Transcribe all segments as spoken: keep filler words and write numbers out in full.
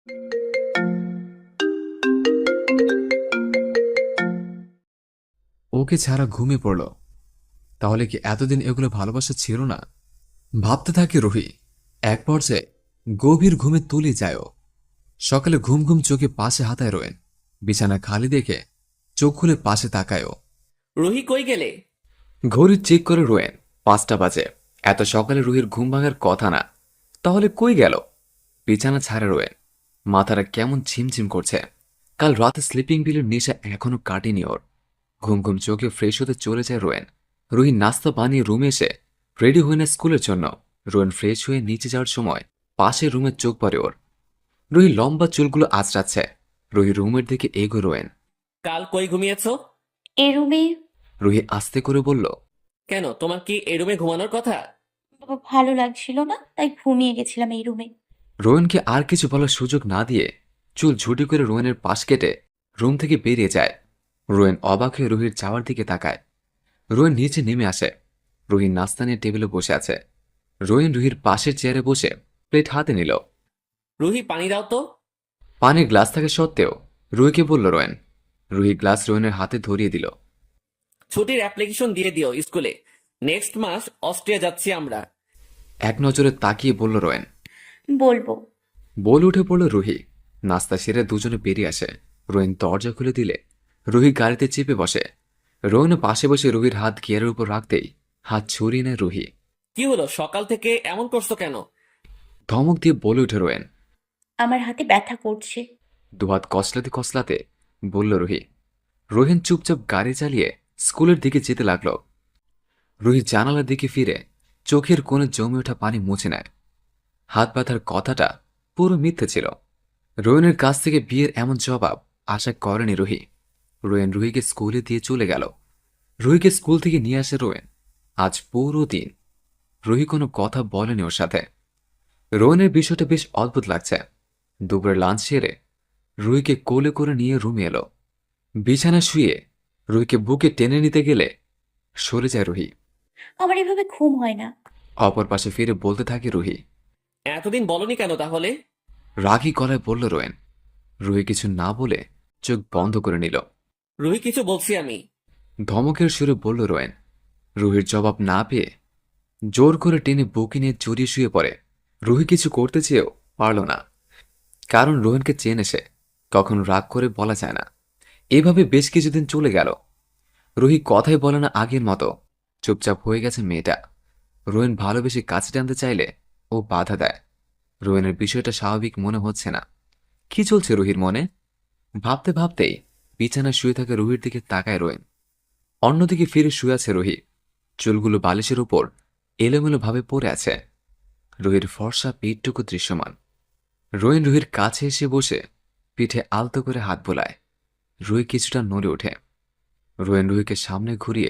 ওকে ছাড়া ঘুমিয়ে পড়ল। তাহলে কি এতদিন এগুলো ভালোবাসা ছিল না? ভাবতে থাকে রুহি। এক পর্যায়ে গভীর ঘুমে তুলে যায় ও। সকালে ঘুম ঘুম চোখে পাশে হাতায় রোয়েন। বিছানা খালি দেখে চোখ খুলে পাশে তাকায় ও। রুহি কই গেলে? ঘড়ি চেক করে রোয়েন। পাঁচটা বাজে। এত সকালে রুহির ঘুম ভাঙার কথা না, তাহলে কই গেল? বিছানা ছাড়ে রোয়েন। মাথাটা কেমন ঝিমঝিম করছে। কাল রাতে স্লিপিং পিলের নেশা এখনো কাটেনি ওর। ঘুম ঘুম চোখে ফ্রেশ হতে চলে যায় রোয়েন। রুহি নাস্তা বানিয়ে রুমে এসে রেডি হয়ে নেয় স্কুলের জন্য। রোয়েন ফ্রেশ হয়ে নিচে যাওয়ার সময় পাশে রুমের চোখ পড়ে ওর। রুহি লম্বা চুলগুলো আঁচড়াচ্ছে। রুহি রুমের দিকে এগো রোয়েন। কাল কই ঘুমিয়েছো? এ রুমে। রুহি আস্তে করে বলল। কেন, তোমার কি এই রুমে ঘুমানোর কথা? বাবা, ভালো লাগছিল না, তাই ঘুমিয়ে গেছিলাম এই রুমে। রোয়েনকে আর কিছু বলার সুযোগ না দিয়ে চুল ঝুটি করে রোয়েনের পাশ কেটে রুম থেকে বেরিয়ে যায়। রোয়েন অবাক হয়ে রুহির যাওয়ার দিকে তাকায়। রোয়েন নিচে নেমে আসে। রুহি নাস্তা নিয়ে টেবিলে বসে আছে। রোয়েন রুহির পাশের চেয়ারে বসে প্লেট হাতে নিল। রুহি পানি দাও তো। পানির গ্লাস থাকা সত্ত্বেও রুহিকে বলল রোয়েন। রুহি গ্লাস রোয়েনের হাতে ধরিয়ে দিল। ছুটির অ্যাপ্লিকেশন দিয়ে দিও স্কুলে। নেক্সট মাস অস্ট্রিয়া যাচ্ছি আমরা। এক নজরে তাকিয়ে বলল রোয়েন। বলবো। বলে উঠে পড়ল রুহি। নাস্তা সেরে দুজনে বেরিয়ে আসে। রোয়েন দরজা খুলে দিলে রুহি গাড়িতে চেপে বসে। রোয়েন পাশে বসে রুহির হাত গিয়ারের উপর রাখতেই হাত ছড়িয়ে নেয় রুহি। কি হলো, সকাল থেকে এমন করছো কেন? ধমক দিয়ে বলে উঠে রোয়েন। আমার হাতে ব্যথা করছে। দুহাত কসলাতে কসলাতে বলল রুহি। রোহিন চুপচাপ গাড়ি চালিয়ে স্কুলের দিকে যেতে লাগল। রুহি জানালার দিকে ফিরে চোখের কোণে জমে ওঠা পানি মুছে নেয়। হাত ব্যথার কথাটা পুরো মিথ্যে ছিল। রোয়েনের কাছ থেকে বিয়ের এমন জবাব আশা করেনি রুহি। রোয়েন রুহিকে স্কুলে দিয়ে চলে গেল। রুহিকে স্কুল থেকে নিয়ে আসে রোয়েন। আজ পুরো দিন রুহি কোনো কথা বলেনি ওর সাথে। রোয়েনের বিষয়টা বেশ অদ্ভুত লাগছে। দুপুরে লাঞ্চ সেরে রুহিকে কোলে করে নিয়ে রুমে এলো। বিছানা শুয়ে রুহিকে বুকে টেনে নিতে গেলে সরে যায় রুহি। আমার এভাবে ঘুম হয় না। অপর পাশে ফিরে বলতে থাকে রুহি। এতদিন বলনি কেন তাহলে? রাগী গলায় বলল রোয়েন। রুহি কিছু না বলে চোখ বন্ধ করে নিল। রুহি কিছু বলছি আমি। ধমকের সুরে বলল রোয়েন। রুহির জবাব না পেয়ে জোর করে টেনে বুকে নিয়ে জড়িয়ে শুয়ে পড়ে। রুহি কিছু করতে চেয়েও পারল না, কারণ রোয়েনকে চেনে সে। কখনো রাগ করে বলা যায় না। এভাবে বেশ কিছুদিন চলে গেল। রুহি কথাই বলে না আগের মতো। চুপচাপ হয়ে গেছে মেয়েটা। রোয়েন ভালোবেসে কাছে টানতে চাইলে ও বাধা দেয়। রোয়েনের বিষয়টা স্বাভাবিক মনে হচ্ছে না। কি চলছে রুহির মনে? ভাবতে ভাবতেই বিছানায় শুয়ে থাকা রুহির দিকে তাকায় রোয়েন। অন্যদিকে ফিরে শুয়ে আছে রুহি। চুলগুলো বালিশের উপর এলোমেলো ভাবে পড়ে আছে। রুহির ফর্সা পিঠটুকু দৃশ্যমান। রোয়েন রুহির কাছে এসে বসে পিঠে আলতো করে হাত বোলায়। রুহি কিছুটা নড়ে ওঠে। রোয়েন রুহিকে সামনে ঘুরিয়ে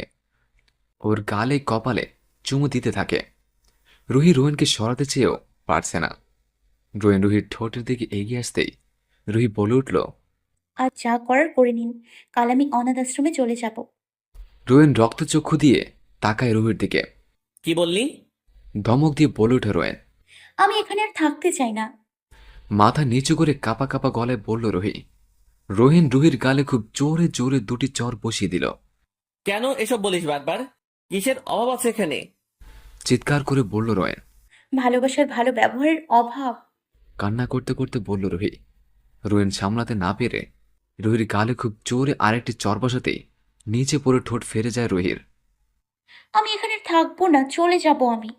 ওর গালে কপালে চুমু দিতে থাকে। রুহি রোয়েনকে সরাতে চেয়েও পারছে না। রোয়েন রুহির ঠোঁটের দিকে এগিয়ে আসতেই রুহি বলে উঠল। আর যা করার করে নিন, কাল আমি অনাথ আশ্রমে চলে যাব। রোয়েন রক্তচক্ষু দিয়ে তাকায় রুহির দিকে। কি বললি? ধমক দিয়ে বলে ওঠে রোয়েন। আমি এখানে আর থাকতে চাই না। মাথা নিচু করে কাপা কাপা গলায় বলল রুহি। রোহিন রুহির গালে খুব জোরে জোরে দুটি চর বসিয়ে দিল। কেন এসব বলিস বারবার? কিসের অভাব আছে এখানে? চিৎকার করে বলল রোয়েন। ভালোবাসার ভালো ব্যবহারের অভাব। কান্না করতে করতে বলল রুহি। রোয়েন সামলাতে না পেরে রুহির গালে খুব জোরে আরেকটি চর বসাতেই নিচে পড়ে ঠোঁট ফেরে যায় রুহির। আমি এখানে আর থাকবো না, চলে যাব আমি।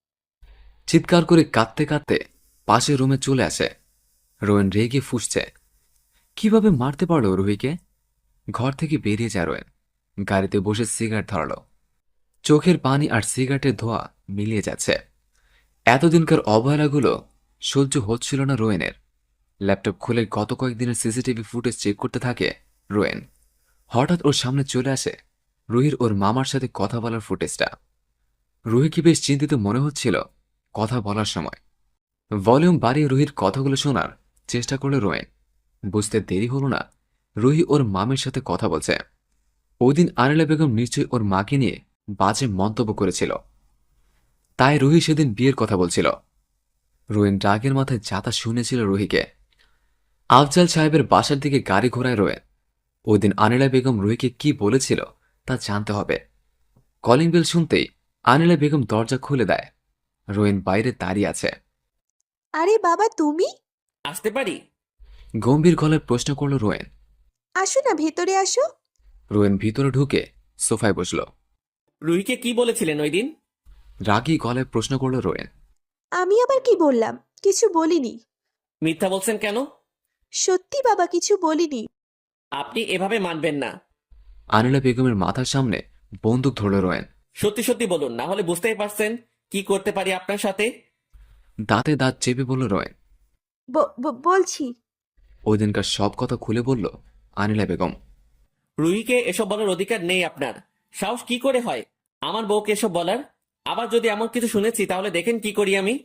চিৎকার করে কাঁদতে কাঁদতে পাশের রুমে চলে আসে। রোয়েন রেগে ফুঁসছে। কিভাবে মারতে পারল রুহিকে? ঘর থেকে বেরিয়ে যায় রোয়েন। গাড়িতে বসে সিগারেট ধরাল। চোখের পানি আর সিগারেটের ধোঁয়া মিলিয়ে যাচ্ছে। এতদিনকার অবহেলাগুলো সহ্য হচ্ছিল না রোয়েনের। ল্যাপটপ খুলে গত কয়েকদিনের সিসিটিভি ফুটেজ চেক করতে থাকে রোয়েন। হঠাৎ ওর সামনে চলে আসে রুহির ওর মামার সাথে কথা বলার ফুটেজটা। রুহিকে বেশ চিন্তিত মনে হচ্ছিল কথা বলার সময়। ভলিউম বাড়িয়ে রুহির কথাগুলো শোনার চেষ্টা করল রোয়েন। বুঝতে দেরি হল না, রুহি ওর মামের সাথে কথা বলছে। ওই দিন আনিলা বেগম নিশ্চয়ই ওর মাকে নিয়ে বাজে মন্তব্য করেছিল, তাই রুহি সেদিন বিয়ের কথা বলছিল। রোয়েন রাগের মাথায় যাতা শুনেছিল রুহিকে। আফজাল সাহেবের বাসার দিকে গাড়ি ঘোড়ায় রোয়েন। ওই দিন আনিলা বেগম রুহিকে কি বলেছিল তা জানতে হবে। কলিং বেল শুনতেই আনিলা বেগম দরজা খুলে দেয়। রোয়েন বাইরে দাঁড়িয়ে আছে। আরে বাবা তুমি? আসতে পারি? গম্ভীর গলায় প্রশ্ন করল রোয়েন। আসো না, ভেতরে আসো। রোয়েন ভিতরে ঢুকে সোফায় বসল। রুহিকে কি বলেছিলেন ওই দিন? রাগী গলায় প্রশ্ন করল রোয়েন। আমি আবার কি বললাম? কিছু বলিনি। মিথ্যা বলছেন কেন? সত্যি বাবা, কিছু বলিনি। আপনি এভাবে মানবেন না। আনিলা বেগমের মাথার সামনে বন্দুক ধরল রোয়েন। সত্যি সত্যি বলুন, না হলে বুঝতেই পারছেন কি করতে পারি আপনার সাথে। দাঁতে দাঁত চেপে বলল রোয়েন। ব- ব- বলছি। ওই দিনকার সব কথা খুলে বলল আনিলা বেগম। রুহিকে এসব বলার অধিকার নেই আপনার। সাহস কি করে হয় আমার বউকে এসব বলার? আবার যদি এমন কিছু শুনেছি তাহলে দেখেন কি করি আমি।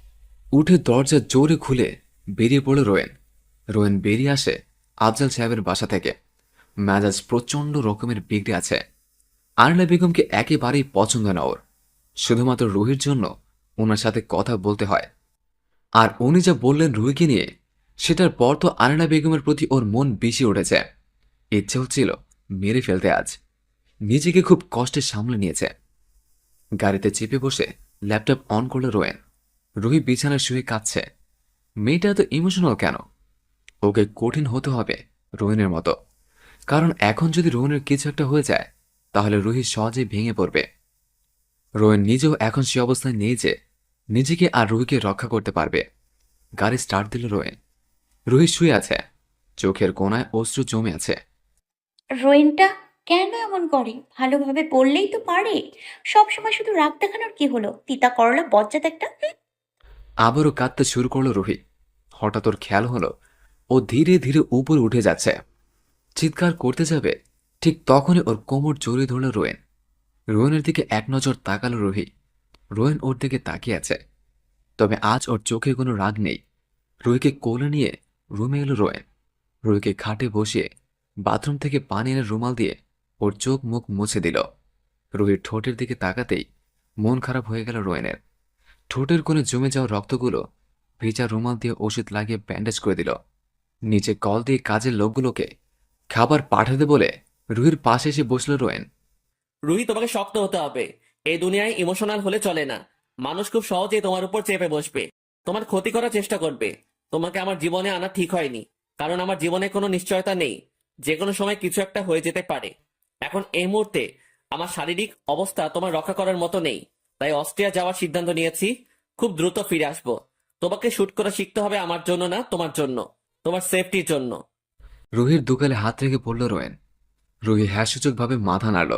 উঠে দরজা জোরে খুলে বেরিয়ে পড়ল রোয়েন। রোয়েন বেরিয়ে আসে আফজাল সাহেবের বাসা থেকে। মেজাজ প্রচণ্ড রকমের বিগড়ে আছে। আনিলা বেগমকে একেবারেই পছন্দ না ওর। শুধুমাত্র রুহির জন্য ওনার সাথে কথা বলতে হয়। আর উনি যা বললেন রুহিকে নিয়ে, সেটার পর তো আনিলা বেগমের প্রতি ওর মন বেশি উঠেছে। ইচ্ছে হচ্ছিল মেরে ফেলতে আজ। নিজেকে খুব কষ্টে সামলে নিয়েছে। গাড়িতে চেপে বসে ল্যাপটপ অন করল রোয়েন। রুহি বিছানায় শুয়ে কাঁদছে। মেয়েটা এত ইমোশনাল কেন? ওকে কঠিন হতে হবে রোহিনের মতো। কারণ এখন যদি রোহিনের কিছু একটা হয়ে যায় তাহলে রুহি সহজেই ভেঙে পড়বে। রোহিন নিজেও এখন সে অবস্থায় নেই যে নিজেকে আর রুহিকে রক্ষা করতে পারবে। গাড়ি স্টার্ট দিল রোহিন। রুহি শুয়ে আছে, চোখের কোণায় অশ্রু জমে আছে। রোয়েনটা কেন এমন করে? ভালোভাবে বললেই তো পারে। সবসময় শুধু রাগ দেখানোর কি হলো? তিতা করলা বজ্জাত একটা, হুম। আবারও কাঁদতে শুরু করলো রুহি। হঠাৎ ওর খেয়াল হলো ও ধীরে ধীরে উপরে উঠে যাচ্ছে। চিৎকার করতে যাবে, ঠিক তখনই ওর কোমর জড়িয়ে ধরল রোয়েন। রোয়েনের দিকে এক নজর তাকালো রুহি। রোয়েন ওর দিকে তাকিয়ে আছে, তবে আজ ওর চোখে কোনো রাগ নেই। রুহিকে কোলে নিয়ে রুমে এলো রোয়েন। রুহিকে খাটে বসিয়ে বাথরুম থেকে পানি এনে রুমাল দিয়ে ওর চোখ মুখ মুছে দিল। রুহির ঠোঁটের দিকে তাকাতেই মন খারাপ হয়ে গেল রোয়েনের। ঠোঁটের কোণে জমে যাওয়া রক্তগুলো ভেজা রুমাল দিয়ে ওষুধ লাগিয়ে ব্যান্ডেজ করে দিল। নিচে কল দিয়ে কাজের লোকগুলোকে খাবার পাঠাতে বলে রুহির পাশে এসে বসল রোয়েন। রুহি, তোমাকে শক্ত হতে হবে। এই দুনিয়ায় ইমোশনাল হলে চলে না। মানুষ খুব সহজেই তোমার উপর চেপে বসবে, তোমার ক্ষতি করার চেষ্টা করবে। তোমাকে আমার জীবনে আনা ঠিক হয়নি, কারণ আমার জীবনে কোনো নিশ্চয়তা নেই। যে কোনো সময় কিছু একটা হয়ে যেতে পারে। এখন এই মুহূর্তে আমার শারীরিক অবস্থা তোমার রক্ষা করার মতো নেই, তাই অস্ট্রিয়া যাওয়ার সিদ্ধান্ত নিয়েছি। খুব দ্রুত ফিরে আসবো। তোমাকে শুট করা শিখতে হবে আমার জন্য না, তোমার জন্য, তোমার সেফটির জন্য। রুহির দুকালে হাত রেখে পড়ল রোয়েন। রুহি হ্যাসূচকভাবে মাথা নাড়ল।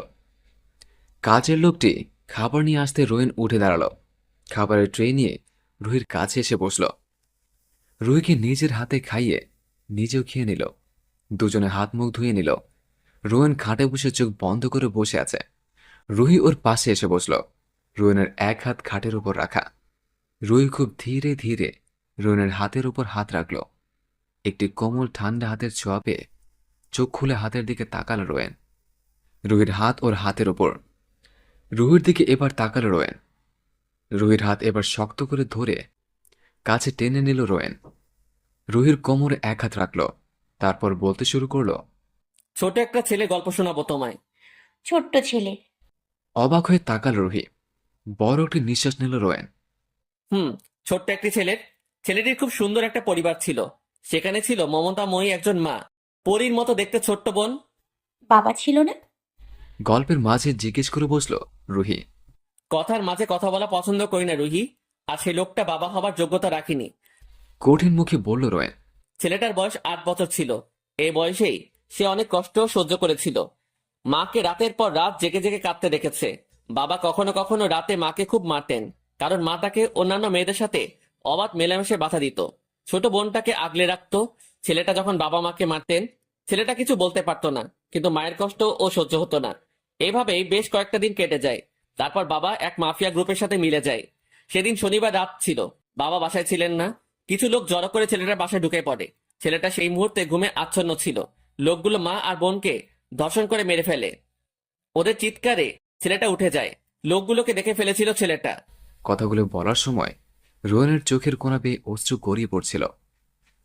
কাজের লোকটি খাবার নিয়ে আসতে রোয়েন উঠে দাঁড়ালো। খাবারের ট্রে নিয়ে রুহির কাছে এসে বসল। রুহিকে নিজের হাতে খাইয়ে নিজেও খেয়ে নিল। দুজনে হাত মুখ ধুয়ে নিল। রোয়েন খাটে বসে চোখ বন্ধ করে বসে আছে। রুহি ওর পাশে এসে বসল। রোয়েনের এক হাত খাটের উপর রাখা। রুহি খুব ধীরে ধীরে রোয়েনের হাতের উপর হাত রাখল। একটি কোমল ঠান্ডা হাতের ছোঁয়া পেয়ে চোখ খুলে হাতের দিকে তাকাল রোয়েন। রুহির হাত ওর হাতের ওপর। রুহির দিকে এবার তাকাল রোয়েন। রুহির হাত এবার শক্ত করে ধরে কাছে টেনে নিল রোয়েন। রুহির কোমরে এক হাত রাখল, তারপর বলতে শুরু করলো। ছোট একটা ছেলে গল্প শোনাবো তোমায়। ছোট্ট ছেলে। অবাক হয়ে তাকাল রুহি। বড় একটি নিঃশ্বাস নিল রোয়েন। হুম, ছোট্ট একটি ছেলের। ছেলেটির খুব সুন্দর একটা পরিবার ছিল। সেখানে ছিল মমতাময়ী একজন মা, পরীর মতো দেখতে ছোট্ট বোন। বাবা ছিল না? গল্পের মাঝে জিজ্ঞেস করে বসল রুহি। কথার মাঝে কথা বলা পছন্দ করি না রুহি, আর সেই লোকটা বাবা হবার যোগ্যতা রাখিনি। কঠিন মুখে বলল রোয়েন। ছেলেটার বয়স আট বছর ছিল। এই বয়সেই সে অনেক কষ্ট সহ্য করেছিল। মাকে রাতের পর রাত জেগে জেগে কাঁদতে দেখেছে। বাবা কখনো কখনো রাতে মাকে খুব মারতেন, কারণ মা তাকে অন্যান্য মেয়েদের সাথে অবাধ মেলামেশে বাধা দিত। ছোট বোনটাকে আগলে রাখতো। ছেলেটা যখন বাবা মাকে মারতেন, ছেলেটা কিছু বলতে পারতো না, কিন্তু মায়ের কষ্ট ও সহ্য হতো না। এইভাবেই বেশ কয়েকটা দিন কেটে যায়। তারপর বাবা এক মাফিয়া গ্রুপের সাথে মিলে যায়। সেদিন শনিবার রাত ছিল, বাবা বাসায় ছিলেন না। কিছু লোক জড়ো করে ছেলেটার বাসায় ঢুকে পড়ে। ছেলেটা সেই মুহূর্তে ঘুমে আচ্ছন্ন ছিল। লোকগুলো মা আর বোনকে ধর্ষণ করে মেরে ফেলে। ওদের চিৎকারে ছেলেটা উঠে যায়। লোকগুলোকে দেখে ফেলেছিল ছেলেটা। কথাগুলো বলার সময় রোয়েনের চোখের কোণা বেয়ে অশ্রু গড়িয়ে পড়ছিল।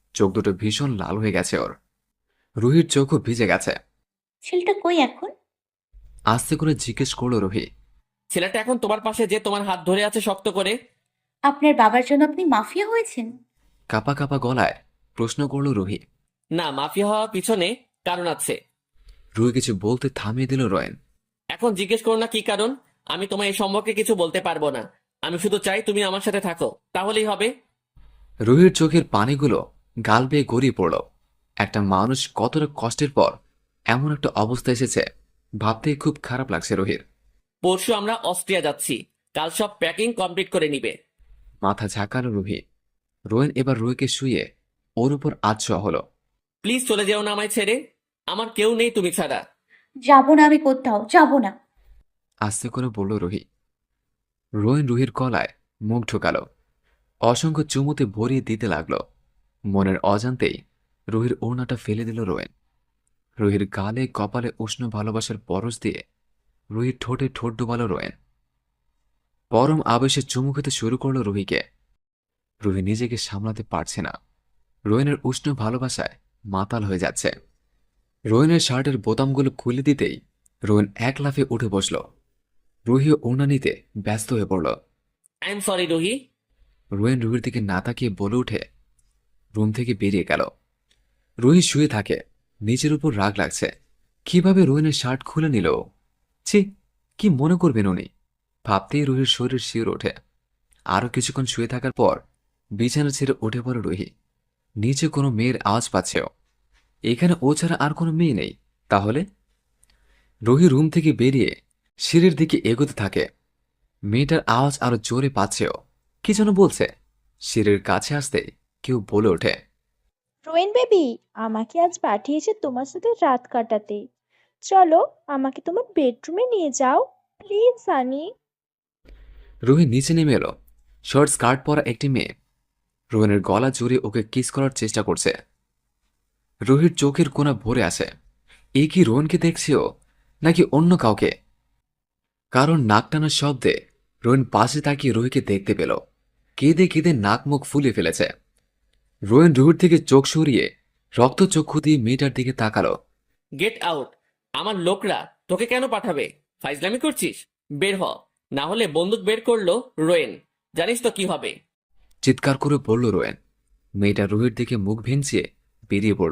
চোখ দুটো ভীষণ লাল হয়ে গেছে ওর। রুহির চোখও ভিজে গেছে। ছেলেটা কই এখন? আস্তে করে জিজ্ঞেস করলো রুহি। ছেলেটা এখন তোমার পাশে, যে তোমার হাত ধরে আছে শক্ত করে। আপনার বাবার জন্য আপনি মাফিয়া হয়েছেন? কাপা কাপা গলায় প্রশ্ন করলো রুহি। না, মাফিয়া হওয়ার পিছনে কারণ আছে। রুহি কিছু বলতে থামিয়ে দিল রোয়েন। এখন জিজ্ঞেস করো না কি কারণ। আমি তোমার এই সম্পর্কে কিছু বলতে পারবো না। আমি শুধু চাই তুমি আমার সাথে থাকো, তাহলেই হবে। রুহির চোখের পানিগুলো গাল বেয়ে গড়িয়ে পড়ল। একটা মানুষ কতটা কষ্টের পর এমন একটা অবস্থা এসেছে ভাবতেই খুব খারাপ লাগছে রুহির। পরশু আমরা অস্ট্রিয়া যাচ্ছি, কাল সব প্যাকিং কমপ্লিট করে নিবে। মাথা ঝাঁকালো রুহি। রোয়েন এবার রুহিকে শুয়ে ওর উপর আচ্ছা হলো। প্লিজ চলে যেও না আমায় ছেড়ে। আমার কেউ নেই তুমি ছাড়া। যাবো না, আমি কোথাও যাবো না। আস্তে করে বলল রুহি। রোয়েন রুহির গলায় মুখ ঢোকালো। অসংখ্য চুমুতে ভরিয়ে দিতে লাগলো। মনের অজান্তেই রুহির ওড়নাটা ফেলে দিল রোয়েন। রুহির গালে কপালে উষ্ণ ভালোবাসার পরশ দিয়ে রুহির ঠোঁটে ঠোঁট ডুবালো রোয়েন। পরম আবেশে চুমু খেতে শুরু করলো রুহিকে। রুহি নিজেকে সামলাতে পারছে না। রোয়েনের উষ্ণ ভালোবাসায় মাতাল হয়ে যাচ্ছে। রোয়েনের শার্টের বোতামগুলো খুলে দিতেই রোয়েন এক লাফে উঠে বসল। রুহিও ওড়না নিতে ব্যস্ত হয়ে পড়ল। I am sorry Ruhi. রোয়েন রুহির দিকে না তাকিয়ে বলে উঠে রুম থেকে বেরিয়ে গেল। রুহি শুয়ে থাকে। নিজের উপর রাগ লাগছে। কিভাবে রোয়েনের শার্ট খুলে নিল? ছি, কি মনে করবেন উনি? ভাবতেই রুহির শরীর শিউরে ওঠে। আরও কিছুক্ষণ শুয়ে থাকার পর বিছানা ছেড়ে উঠে পড়ে রুহি। নিচে কোনো মেয়ের আওয়াজ পাচ্ছেও। এখানে ও ছাড়া আর কোনো মেয়ে নেই। তাহলে রুহি রুম থেকে বেরিয়ে সিঁড়ির দিকে এগোতে থাকে। মেয়েটার আওয়াজ আরো জোরে পাচ্ছেও। কি যেন বলছে। সিঁড়ির কাছে আসতেই কেউ বলে ওঠে, রোয়েন বেবি, আমাকে আজ পাঠিয়েছে তোমার সাথে রাত কাটাতে। চলো, আমাকে তোমার বেডরুমে নিয়ে যাও প্লিজ সানি। রুহি নিচে নেমে এলো। শর্ট স্কার্ট পরা একটি মেয়ে রোহনের গলা জড়িয়ে ওকে কিস করার চেষ্টা করছে। রুহির চোখের কোণা ভরে আসে। এ কি রোহনকে দেখছেও নাকি অন্য কাউকে? কারণ নাক টানার শব্দে রোহন পাশে তাকিয়ে রুহিকে দেখতে পেল। কেঁদে কেঁদে নাক মুখ ফুলে ফেলেছে। রোহন রুহির থেকে চোখ সরিয়ে রক্তচক্ষু দিয়ে মেয়েটার দিকে তাকালো। Get out. আমার লোকরা তোকে কেন পাঠাবে? ফাইজলামি করছিস? বের হ, না হলে বন্দুক বের করলো রোয়েন। জানিস তো কি হবে। চিৎকার করে বলল রোয়েন। মেয়েটা রুহির দিকে মুখ ভেঙচিয়ে বেরিয়ে পড়ল।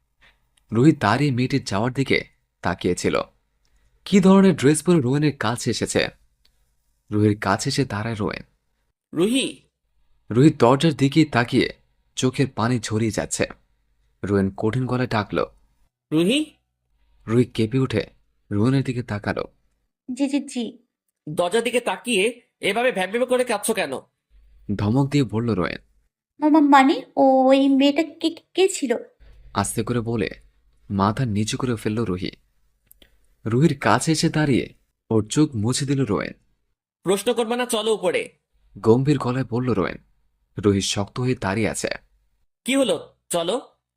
রুহি দাঁড়িয়ে মেয়েটির যাওয়ার দিকে তাকিয়েছিল। কি ধরনের ড্রেস পরে রোয়েনের কাছে এসেছে? রুহির কাছে এসে দাঁড়ায় রোয়েন। রুহি। রুহি দরজার দিকে তাকিয়ে চোখের পানি ঝরিয়ে যাচ্ছে। রোয়েন কঠিন গলায় ডাকল। রুহি। রুহি কেঁপে উঠে রোয়েনের দিকে তাকালো। জি জি জি। দরজার দিকে তাকিয়ে এভাবে ভ্যাবভ্যাবে করে কাঁদছো কেন? ধমক দিয়ে বলল রোয়েন। মামা মানে ওই মেয়েটা কে কে ছিল? আস্তে করে বলে মাথা নিচু করে ফেলল রুহি। রুহির কাছে এসে দাঁড়িয়ে ওর চোখ মুছে দিল রোয়েন। প্রশ্ন করবে না, চলো উপরে। গম্ভীর গলায় বলল রোয়েন। রুহি শক্ত হয়ে দাঁড়িয়ে আছে। কি হলো? চলো।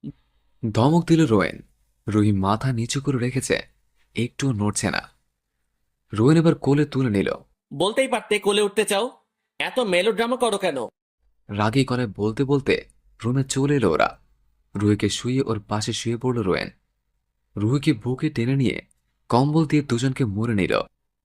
ধমক দিল রোয়েন। রুহি মাথা নিচু করে রেখেছে, একটুও নড়ছে না। রোয়েন এবার কোলে তুলে নিল। বলতেই পারতে কোলে উঠতে চাও, এত মেলোড্রামা করো কেন? রাগী গলায় বলতে বলতে রুমে চলে এলো ওরা। রুহিকে শুয়ে ওর পাশে শুয়ে পড়ল রোয়েন। রুহিকে বুকে টেনে নিয়ে কম্বল দিয়ে দুজনকে মুড়ে নিল।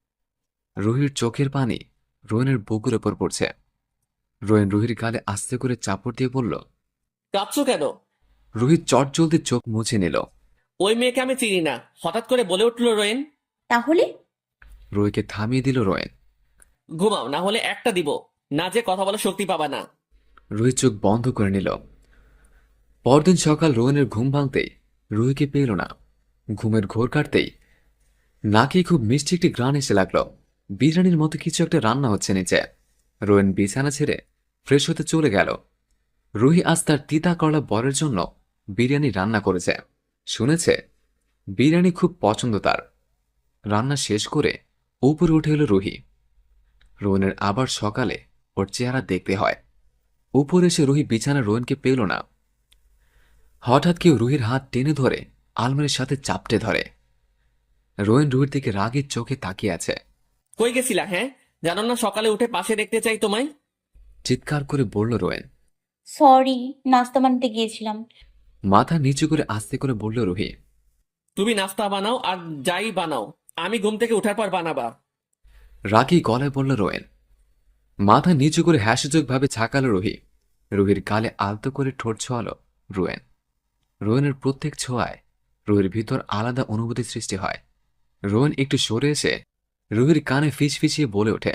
রুহির চোখের পানি রোয়েনের বুকের ওপর পড়ছে। রোয়েন রুহির গালে আস্তে করে চাপড় দিয়ে বলল। কাঁদছো কেন? রুহি চট জলদি চোখ মুছে নিল। ওই মেয়েকে আমি চিনি না, হঠাৎ করে বলে উঠলো রোয়েন। তাহলে? রুহিকে থামিয়ে দিল রোয়েন। ঘুমাও, না হলে একটা দিব, না যে কথা বলার শক্তি পাবা না। রুহি চোখ বন্ধ করে নিল। পরদিন সকাল রোয়েনের ঘুম ভাঙতেই রুহিকে পেল না। ঘুমের ঘোর কাটতেই নাকি খুব মিষ্টি একটি গ্রান এসে লাগলো। বিরিয়ানির মতো কিছু একটা রান্না হচ্ছে নিচে। রোয়েন বিছানা ছেড়ে ফ্রেশ হতে চলে গেল। রুহি আজ তার তিতা করলা বরের জন্য বিরিয়ানি রান্না করেছে। শুনেছে বিরিয়ানি খুব পছন্দ তার। রান্না শেষ করে উপরে উঠে এলো রুহি। রোয়েনের আবার সকালে ওর চেহারা দেখতে হয়। উপরে এসে রুহি বিছানা রোয়েনকে পেল না। হঠাৎ কেউ রুহির হাত টেনে ধরে আলমারির সাথে চাপটে ধরে। রোয়েন রুহির দিকে রাগের চোখে তাকিয়ে আছে। কই গেছিলা? হ্যাঁ, জানো না সকালে উঠে পাশে দেখতে চাই তোমায়? চিৎকার করে বলল রোয়েন। সরি, নাস্তা বানাতে গিয়েছিলাম। মাথা নিচু করে আস্তে করে বলল রুহি। তুমি নাস্তা বানাও আর যাই বানাও, আমি ঘুম থেকে ওঠার পর বানাবা। রাগী গলায় বলল রোয়েন। মাথা নিচু করে হ্যাসযোগ ভাবে ছাকালো রুহি। রুহির গালে আলতো করে ঠোঁট ছোঁয়ালো রোয়েন। রোয়েনের প্রত্যেক ছোঁয়ায় রুহির ভিতর আলাদা অনুভূতি সৃষ্টি হয়। রোয়েন একটু সরে এসে রুহির কানে ফিস ফিসিয়ে বলে ওঠে।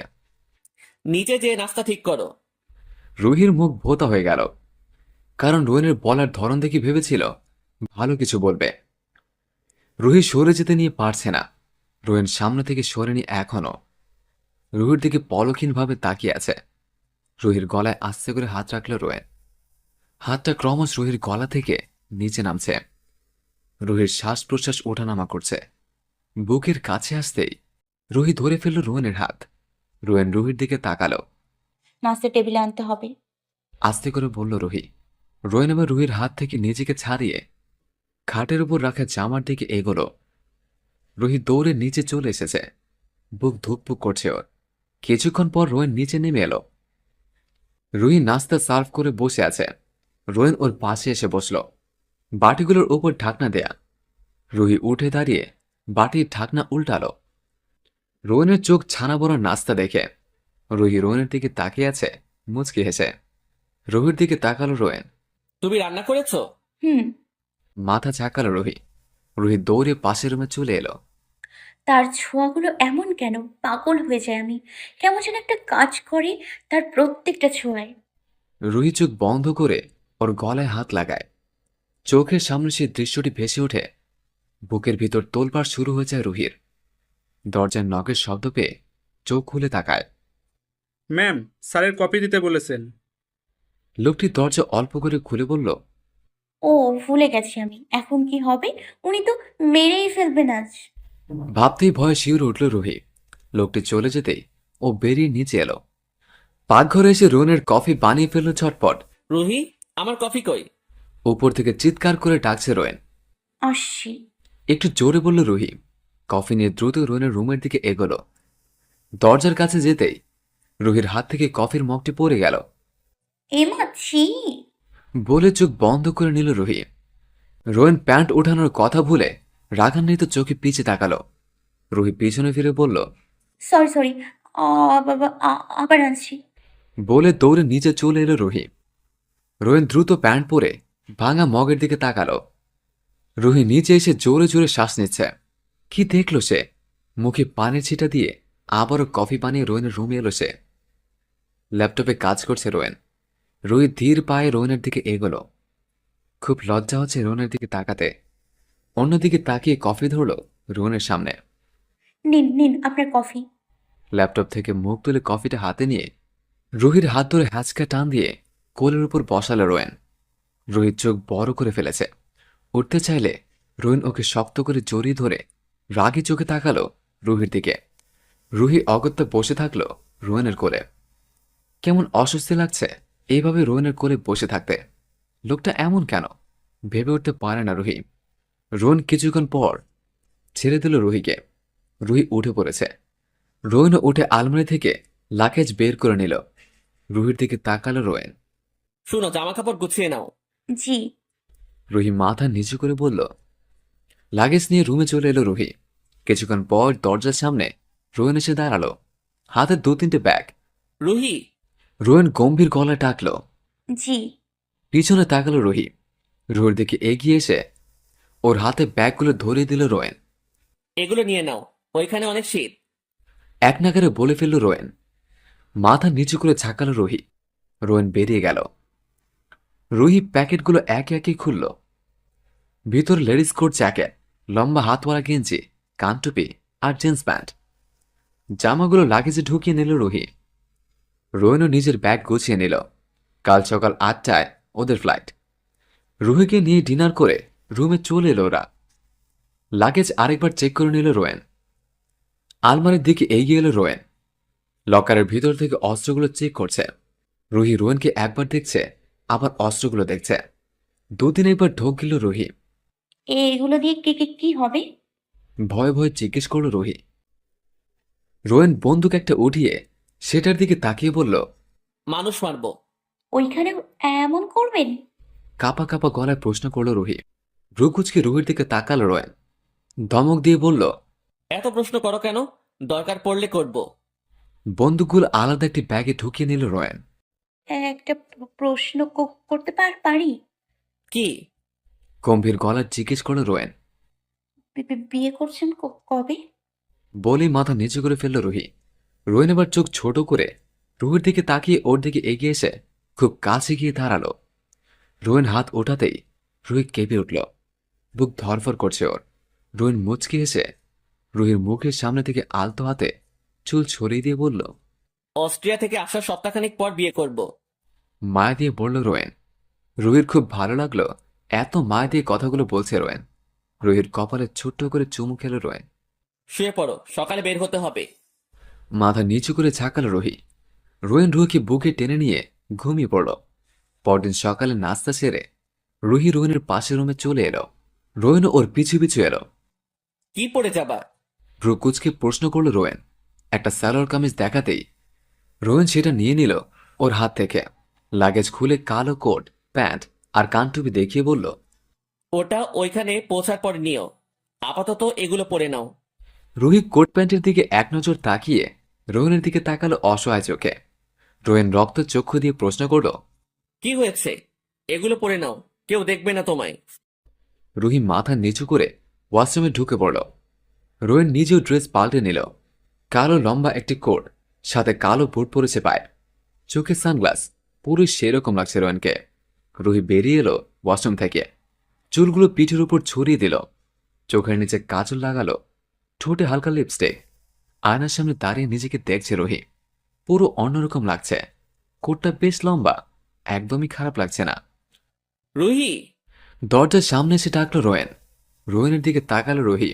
নিচে যেয়ে নাস্তা ঠিক করো। রুহির মুখ ভোতা হয়ে গেল, কারণ রোয়েনের বলার ধরন দেখে ভেবেছিল ভালো কিছু বলবে। রুহি সরে যেতে নিয়ে পারছে না। রোয়েন সামনে থেকে সরেনি এখনো। রুহির দিকে পলক্ষীনভাবে তাকিয়ে আছে। রুহির গলায় আস্তে করে হাত রাখল রোয়েন। হাতটা ক্রমশ রুহির গলা থেকে নিচে নামছে। রুহির শ্বাস প্রশ্বাস ওঠানামা করছে। বুকের কাছে আসতেই রুহি ধরে ফেলল রোয়েনের হাত। রোয়েন রুহির দিকে তাকালো। নাস্তা টেবিলে আনতে হবে। আস্তে করে বলল রুহি। রোয়েন এবার রুহির হাত থেকে নিজেকে ছাড়িয়ে খাটের উপর রাখা জামার দিকে এগোলো। রুহি দৌড়ে নিচে চলে এসেছে। বুক ধুকপুক করছে ওর। কিছুক্ষণ পর রোয়েন নিচে নেমে এলো। রুহি নাস্তা সার্ভ করে বসে আছে। রোয়েন ওর পাশে এসে বসল। বাটিগুলোর উপর ঢাকনা দেয়া। রুহি উঠে দাঁড়িয়ে বাটির ঢাকনা উল্টালো। রোয়েনের চোখ ছানা বড় নাস্তা দেখে রুহি রোয়েনের দিকে তাকিয়ে আছে মুচকি হেসে। রুহির দিকে তাকালো রোয়েন। তুমি রান্না করেছো? হুম। মাথা ঝাঁকালো রুহি। রুহি দৌড়ে পাশের রুমে চলে এলো। তার ছোঁয়াগুলো এমন কেন? পাগল হয়ে যায় আমি। কেমন যেন একটা কাজ করে তার প্রত্যেকটা ছোঁয়ায়। রুহি চোখ বন্ধ করে ওর গলায় হাত লাগায়। চোখের সামনে সেই দৃশ্যটি ভেসে ওঠে। বুকের ভিতর তোলপাড় শুরু হয়ে যায় রুহির। দরজার নখের শব্দ পেয়ে চোখ খুলে তাকায়। ম্যাম, স্যারের কপি দিতে বলেছেন। লোকটি দরজা অল্প করে খুলে বলল। ও, ভুলে গেছি আমি। এখন কি হবে? উনি তো মেরেই ফেলবেন আজ। ভাবতেই ভয়ে শিউরে উঠল রুহি। লোকটি চলে যেতেই ও বেরিয়ে নিচে এলো। পাকঘরে এসে রোনের কফি বানিয়ে ফেলল ঝটপট। রুহি, আমার কফি কই? উপর থেকে চিৎকার করে ডাকছে রোয়েন। আসছি। একটু জোরে বলল রুহি। কফি নিয়ে দ্রুত রোয়েনের রুমের দিকে এগোলো। দরজার কাছে যেতেই রুহির হাত থেকে কফির মগটি পড়ে গেল। এমা, ছি। বলে চোখ বন্ধ করে নিল রুহি। রোয়েন প্যান্ট ওঠানোর কথা ভুলে রাগান্বিত চোখে পিছে তাকালো। রুহি পিছনে ফিরে বলল। সরি সরি, বাবা, আ- আবার আনছি। বলে দৌড়ে নিচে চলে এলো রুহি। রোয়েন দ্রুত প্যান্ট পরে ভাঙা মগের দিকে তাকালো। রুহি নিচে এসে জোরে জোরে শ্বাস নিচ্ছে। কি দেখল সে? মুখে পানির ছিটা দিয়ে আবারও কফি বানিয়ে রোয়েনের রুমে এলো সে। ল্যাপটপে কাজ করছে রোয়েন। রুহি ধীর পায়ে রোয়েনের দিকে এগোলো। খুব লজ্জা হচ্ছে রোয়েনের দিকে তাকাতে। অন্যদিকে তাকিয়ে কফি ধরল রোয়েনের সামনে। নিন নিন আপনার কফি। ল্যাপটপ থেকে মুখ তুলে কফিটা হাতে নিয়ে রুহির হাত ধরে হ্যাঁচকা টান দিয়ে কোলের উপর বসালো রোয়েন। রুহির চোখ বড় করে ফেলেছে। উঠতে চাইলে রোয়েন ওকে শক্ত করে জড়িয়ে ধরে রাগী চোখে তাকালো রুহির দিকে। রুহি অগত্যা বসে থাকলো রোয়েনের কোলে। কেমন অস্বস্তি লাগছে এইভাবে রোয়েনের কোলে বসে থাকতে। লোকটা এমন কেন ভেবে উঠতে পারে না রুহি। রোয়েন কিছুক্ষণ পর ছেড়ে দিল রুহিকে। রুহি উঠে পড়েছে। রোয়েনও উঠে আলমারি থেকে লাকেজ বের করে নিল। রুহির দিকে তাকালো রোয়েন। শুনো, জামা কাপড় গুছিয়ে নাও। জি। রুহি মাথা নিচু করে বলল। লাগেজ নিয়ে রুমে চলে এলো রুহি। কিছুক্ষণ পর দরজার সামনে রোয়েন এসে দাঁড়ালো, হাতে দু তিনটে ব্যাগ। রুহি, রোয়েন গম্ভীর গলায় ডাকলো। জি। পিছনে তাকালো রুহি। রুহির দিকে এগিয়ে এসে ওর হাতে ব্যাগগুলো ধরিয়ে দিল রোয়েন। এগুলো নিয়ে নাও, ওইখানে অনেক শীত। এক নাগারে বলে ফেলল রোয়েন। মাথা নিচু করে ঝাঁকালো রুহি। রোয়েন বেরিয়ে গেল। রুহি প্যাকেটগুলো একে একে খুলল। ভিতর লেডিস কোট জ্যাকেট, লম্বা হাতওয়ালা গেঞ্জি, কানটুপি আর জিন্স প্যান্ট। জামাগুলো লাগেজে ঢুকিয়ে নিল রুহি। রোয়েনও নিজের ব্যাগ গুছিয়ে নিল। কাল সকাল আটটায় ওদের ফ্লাইট। রুহিকে নিয়ে ডিনার করে রুমে চলে এলো ওরা। লাগেজ আরেকবার চেক করে নিল রোয়েন। আলমারির দিকে এগিয়ে এলো রোয়েন। লকারের ভিতর থেকে অস্ত্রগুলো চেক করছে। রুহি রোয়েনকে একবার দেখছে, আবার অস্ত্রগুলো দেখছে। দুদিন একবার ঢোক গেল রুহি। এগুলো দিয়ে কি কি কি হবে? ভয়ে ভয়ে জিজ্ঞেস করল রুহি। রোয়েন বন্দুক একটা উঠিয়ে সেটার দিকে তাকিয়ে বলল। মানুষ মারবো। ওইখানে এমন করবেন? কাপা কাপা গলায় প্রশ্ন করল রুহি। ভ্রুকুচকে রুহির দিকে তাকালো রোয়েন। ধমক দিয়ে বলল, এত প্রশ্ন করো কেন? দরকার পড়লে করব। বন্দুকগুলো আলাদা একটি ব্যাগে ঢুকিয়ে নিল রোয়েন। একটা প্র- প্রশ্ন ক- করতে পার পারি? কি? গম্ভীর গলায় জিজ্ঞেস করল রোয়েন। বি- বি- বিয়ে করছেন ক- কবে? বলেই মাথা নিচু করে ফেলল রুহি। রোয়েন এবার চোখ ছোট করে রুহির দিকে তাকিয়ে ওর দিকে এগিয়ে এসে খুব কাছে গিয়ে দাঁড়ালো। রোয়েন হাত ওঠাতেই রুহি কেঁপে উঠল। বুক ধরফর করছে ওর। রোয়েন মুচকি এসে রুহির মুখের সামনে থেকে আলতো হাতে চুল ছড়িয়ে দিয়ে বলল, অস্ট্রিয়া থেকে আসার সপ্তাহখানেক পর বিয়ে করব। মায়া দিয়ে বলল রোয়েন। রুহির খুব ভালো লাগলো এত মায়া দিয়ে কথাগুলো বলছে রোয়েন। রুহির কপালে ছোট্ট করে চুমু খেল রোয়েন। শুয়ে পড়ো, সকালে বের হতে হবে। মাথা নিচু করে ঝাঁকাল রুহি। রোয়েন রুহিকে বুকে টেনে নিয়ে ঘুমিয়ে পড়ল। পরদিন সকালে নাস্তা সেরে রুহি রোয়েনের পাশের রুমে চলে এলো। রোয়েনও ওর পিছু পিছু এলো। কি পরে যাবা? ভ্রু কুচকে প্রশ্ন করল রোয়েন। একটা সালোয়ার কামিজ দেখাতেই রোয়েন সেটা নিয়ে নিল ওর হাত থেকে। লাগেজ খুলে কালো কোট, প্যান্ট আর কানটুপি দেখিয়ে বলল, ওটা ওইখানে পৌঁছার পর নিও, আপাতত এগুলো পরে নাও। রুহি কোট প্যান্টের দিকে এক নজর তাকিয়ে রোয়েনের দিকে তাকালো অসহায় চোখে। রোয়েন রক্ত চক্ষু দিয়ে প্রশ্ন করল, কি হয়েছে? এগুলো পরে নাও, কেউ দেখবে না তোমায়। রুহি মাথা নিচু করে ওয়াশরুমে ঢুকে পড়ল। রোয়েন নিজেও ড্রেস পাল্টে নিল। কালো লম্বা একটি কোট, সাথে কালো বুট পরেছে পায়ে, চোখে সানগ্লাস, পুরো সেরকম লাগছে রোয়েনকে। রুহি বেরিয়ে এলো ওয়াশরুম থেকে। চুলগুলো পিঠের উপর ছড়িয়ে দিল, চোখের নিচে কাজল লাগালো, ঠোঁটে হালকা লিপস্টিক। আয়নার সামনে দাঁড়িয়ে নিজেকে দেখছে রুহি। পুরো অন্যরকম লাগছে। কোটটা বেশ লম্বা, একদমই খারাপ লাগছে না। রুহি! দরজার সামনে এসে ডাকলো রোয়েন। রোয়েনের দিকে তাকালো রুহি।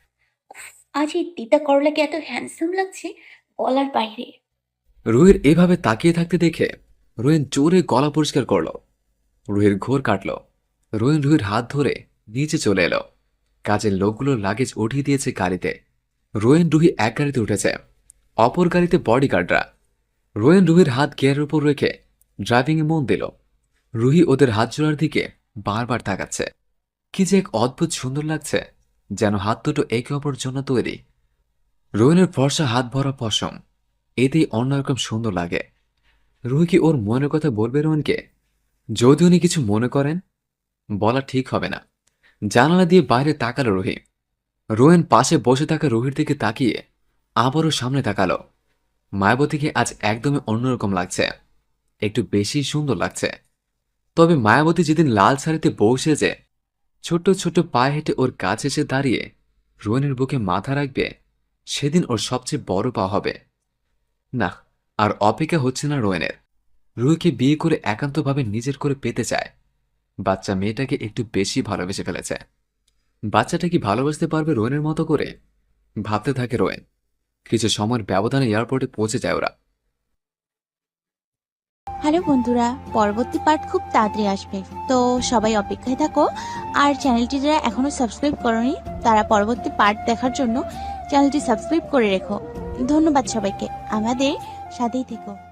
আজ এই তিতা করলাকে এত হ্যান্ডসাম লাগছে, বলার বাইরে। রুহির এভাবে তাকিয়ে থাকতে দেখে রোয়েন জোরে গলা পরিষ্কার করলো। রুহির ঘোর কাটল। রোয়েন রুহির হাত ধরে নিচে চলে এলো। কাজের লোকগুলোর লাগেজ উঠিয়ে দিয়েছে গাড়িতে। রোয়েন রুহি এক গাড়িতে উঠেছে, অপর গাড়িতে বডিগার্ডরা। রোয়েন রুহির হাত গিয়ারের উপর রেখে ড্রাইভিংয়ে মন দিল। রুহি ওদের হাত জোড়ার দিকে বারবার তাকাচ্ছে। কি যে এক অদ্ভুত সুন্দর লাগছে, যেন হাত দুটো একে অপর জন্য তৈরি। রোয়েনের ফর্সা হাত ভরা পশম, এতেই অন্যরকম সুন্দর লাগে। রুহি কি ওর মনের কথা বলবে রোয়েনকে? যদি উনি কিছু মনে করেন? বলা ঠিক হবে না। জানালা দিয়ে বাইরে তাকালো রুহি। রোয়েন পাশে বসে থাকা রুহির দিকে তাকিয়ে আবারও সামনে তাকালো। মায়াবতীকে আজ একদমই অন্যরকম লাগছে, একটু বেশি সুন্দর লাগছে। তবে মায়াবতী যেদিন লাল শাড়িতে বসে যে ছোট্ট ছোট্ট পায়ে হেঁটে ওর কাছে এসে দাঁড়িয়ে রোয়েনের বুকে মাথা রাখবে, সেদিন ওর সবচেয়ে বড় পাওয়া হবে। না, আর অপেক্ষা হচ্ছে না রোয়েনের। রুহিকে বিয়ে করে একান্তভাবে নিজের করে পেতে চায়। বাচ্চা মেয়েটাকে একটু বেশি ভালোবেসে ফেলেছে। বাচ্চাটা কি ভালোবাসতে পারবে রোয়েনের মতো করে? ভাবতে থাকে রোয়েন। কিছু সময়ের ব্যবধানে এয়ারপোর্টে পৌঁছে যায় ওরা। হ্যালো বন্ধুরা, পরবর্তী পার্ট খুব তাড়াতাড়ি আসবে, তো সবাই অপেক্ষায় থাকো। আর চ্যানেলটি যারা এখনো সাবস্ক্রাইব করোনি তারা পরবর্তী পার্ট দেখার জন্য চ্যানেলটি সাবস্ক্রাইব করে রেখো। ধন্যবাদ সবাইকে, আমাদের সাথেই থেকো।